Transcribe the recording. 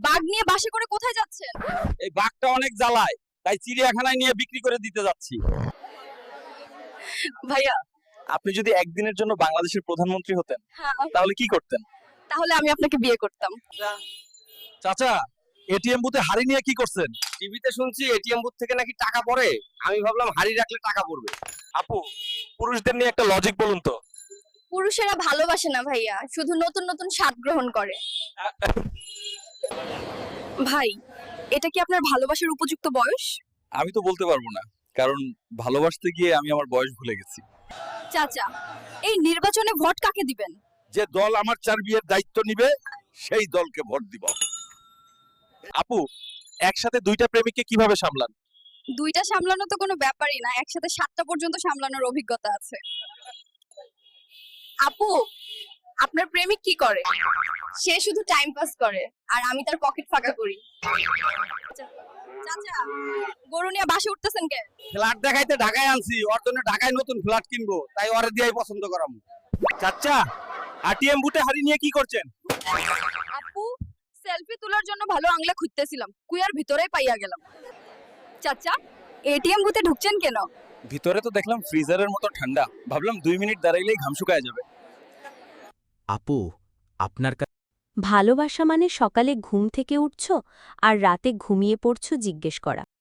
বাঘ নিয়ে বাসে করে কোথায় যাচ্ছেন? এই বাঘটা অনেক জ্বালায়, তাই চিড়িয়াখানায় নিয়ে বিক্রি করে দিতে যাচ্ছি। ভাইয়া, আপনি যদি একদিনের জন্য বাংলাদেশের প্রধানমন্ত্রী হতেন হ্যাঁ, তাহলে কি করতেন? তাহলে আমি আপনাকে বিয়ে করতাম। চাচা, এটিএম বুথে হাড়ি নিয়ে কি করছেন? টিভিতে শুনছি এটিএম বুথ থেকে নাকি টাকা পড়ে, আমি ভাবলাম হাড়ি রাখলে টাকা পড়বে। আপু, পুরুষদের নিয়ে একটা লজিক বলুন তো। পুরুষেরা ভালোবাসে না ভাইয়া, শুধু নতুন নতুন স্বাদ গ্রহণ করে। ভাই, এটা কি আপনার ভালোবাসার উপযুক্ত বয়স? আমি তো বলতে পারবো না, কারণ ভালোবাসতে গিয়ে আমি আমার বয়স ভুলে গেছি। চাচা, এই নির্বাচনে ভোট কাকে দিবেন? যে দল আমার চার বিয়ের দায়িত্ব নিবে সেই দলকে ভোট দিব। আপু, একসাথে দুইটা প্রেমিককে কিভাবে সামলান? দুইটা সামলানো তো কোনো ব্যাপারই না, একসাথে 7টা পর্যন্ত সামলানোর অভিজ্ঞতা আছে। আপু, আপনার প্রেমিক কি করে? সে শুধু টাইম পাস করে, আর আমি তার পকেট ফাঁকা করি। চাচা, গরু নিয়ে বাসে উঠতেছেন কে? ফ্ল্যাট দেখাইতে ঢাকায় আনছি, ওর জন্য ঢাকায় নতুন ফ্ল্যাট কিনবো, তাই ওরে দিয়েই পছন্দ করাম। চাচা, এটিএম বুথে হাড়ি নিয়ে কি করছেন? আপু, সেলফি তোলার জন্য ভালো আংলা খুঁজতেছিলাম, কুয়ার ভিতরেই পাইয়া গেলাম। চাচা, এটিএম বুথে ঢুকছেন কেন? ভিতরে তো দেখলাম ফ্রিজারের মতো ঠান্ডা, ভাবলাম 2 মিনিট দাঁড়াইলেই ঘাম শুকায় যাবে। আপু, আপনার ভালোবাসা মানে সকালে ঘুম থেকে উঠছো আর রাতে ঘুমিয়ে পড়ছো জিজ্ঞেস করা।